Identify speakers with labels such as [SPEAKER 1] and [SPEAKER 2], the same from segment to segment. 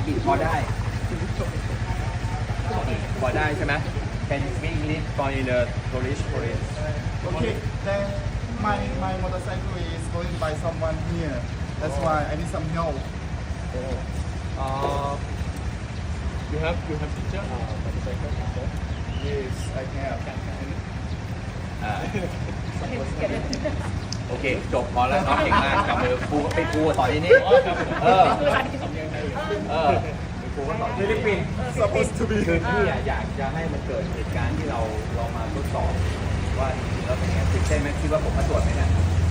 [SPEAKER 1] กฤษพอได้พอได้ใช่ไหม Can you speak English for in the Polish Korean
[SPEAKER 2] Okay, then my motorcycle is going by someone here. That's why I need some help.
[SPEAKER 3] You have picture motorcycle picture?
[SPEAKER 2] Yes, I have.
[SPEAKER 1] อ่าโอเค จบพอแล้วน้องเก่งมากจับมือครูไปครูสอนที่นี่เออครูก็สอนฟิลิปปินส์
[SPEAKER 2] Supposed to be.
[SPEAKER 1] คือพี่อยากจะให้มันเกิดเหตุการณ์ที่เราลองมาทดสอบว่าจริงๆแล้วเป็นไงตื่นเต้นไหมคิดว่าผมมาตรวจไหมเนี่ย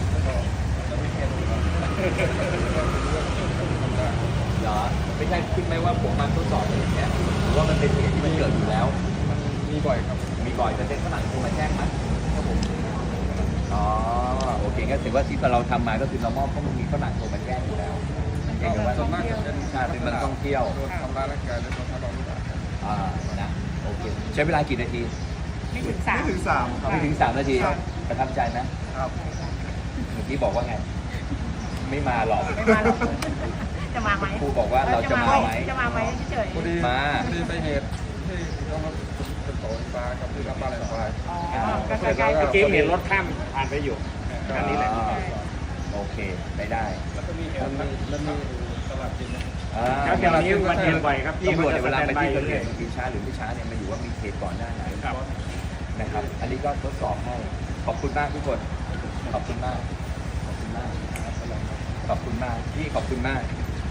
[SPEAKER 1] เหรอไม่ใช่คิดไหมว่าผมมาทดสอบอย่างเงี้ยหรือว่ามันเป็นเหตุที่มันเกิดอยู่แล้ว
[SPEAKER 2] มันมีบ่อยครับ
[SPEAKER 1] มีบ่อยจะเป็นฝรั่งโทรมาแจ้งไหมครับผมอ๋อโอเคก็ถือว่าที่เราทำมาก็คือเรามอบเพราะมันมีฝรั่งโทรมาแจ้งอยู่แล้วเพียงแต่ว่า
[SPEAKER 2] ส่วนมากจะเป็น
[SPEAKER 1] เป็นมันท่องเที่ยว
[SPEAKER 2] โดนทำร้ายร่างกายและโดนทำร้ายร่างกาย
[SPEAKER 1] นะโอเคใช้เวลากี่นาที
[SPEAKER 4] ไม่ถึง3
[SPEAKER 2] ไม่ถึง3ครับ
[SPEAKER 1] ไม่ถึง3 นาที
[SPEAKER 2] ครับ
[SPEAKER 1] ประทับใจไหม
[SPEAKER 2] ครับ
[SPEAKER 1] เมื่อกี้บอกว่าไง ไม่มาหรอก
[SPEAKER 4] ไม่มาหรอกจะมาไหม
[SPEAKER 1] ครูบอกว่าเราจะมาไหม
[SPEAKER 4] จะมาไหมเฉย
[SPEAKER 2] พอดี
[SPEAKER 1] มา
[SPEAKER 2] พอดีไปเหตุที่ต้องมาเป็นโตนปลากับที่รับปลาอะไรปลา
[SPEAKER 4] ๆอ๋อก็ใกล้ๆ
[SPEAKER 3] เมื่
[SPEAKER 4] กั
[SPEAKER 3] อบ กี้เห็นรถข้ามผ่านไปอยู่อันนี้แหละ
[SPEAKER 1] โอเคได้ได้
[SPEAKER 2] แล้วก็มีเหตุมันมีตลาดจริงนะ
[SPEAKER 3] แล้วแถวนี้มันเห็นบ่อยครับที่
[SPEAKER 1] ตำรวจ
[SPEAKER 3] จะ
[SPEAKER 1] เวลาไปที่เกิดเห
[SPEAKER 3] เรื่อ
[SPEAKER 1] ตุบางทีช้าหรือไม่ช้าเนี่ยมันอยู่ว่ามีเหตุก่อนหน้าไหน
[SPEAKER 3] ครับ
[SPEAKER 1] นะครับ อันนี้ก็ทดสอบให้ขอบคุณมากทุกคนขอบคุณมากขอบคุณมากขอบคุณมากพี่ขอบคุณมาก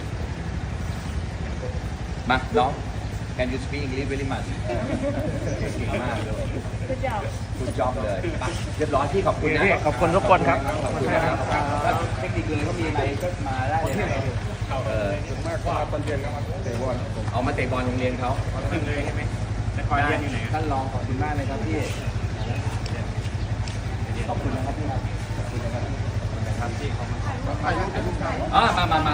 [SPEAKER 1] มาน้อง Can you speak English very much เก่งมากเลย
[SPEAKER 4] คือจะ
[SPEAKER 1] คุณจอบเลยไปเรียบร้อยพี่ขอบคุณนะ
[SPEAKER 3] ขอบคุณทุกคนครับ
[SPEAKER 1] ขอบคุณนะครับถ้าเทคนิคเลยก็มีอะไรก็มาได้เลยนะเออ
[SPEAKER 2] ส่วนมากก็มาตอนเย็นก็มาเตะบอลครับผม
[SPEAKER 1] เอามาเตะบอลโรงเรียนเขา
[SPEAKER 3] ขึ้นเลยใช่ไหมแต่คอยเรียนอยู่ไหน
[SPEAKER 1] ท่านรองขอบคุณมากเลยครับพี่ขอบคุณนะครับพี่ครับขอบคุณนะครับพี่
[SPEAKER 2] ถ่ายรูปเป็นรูปครับ
[SPEAKER 1] มา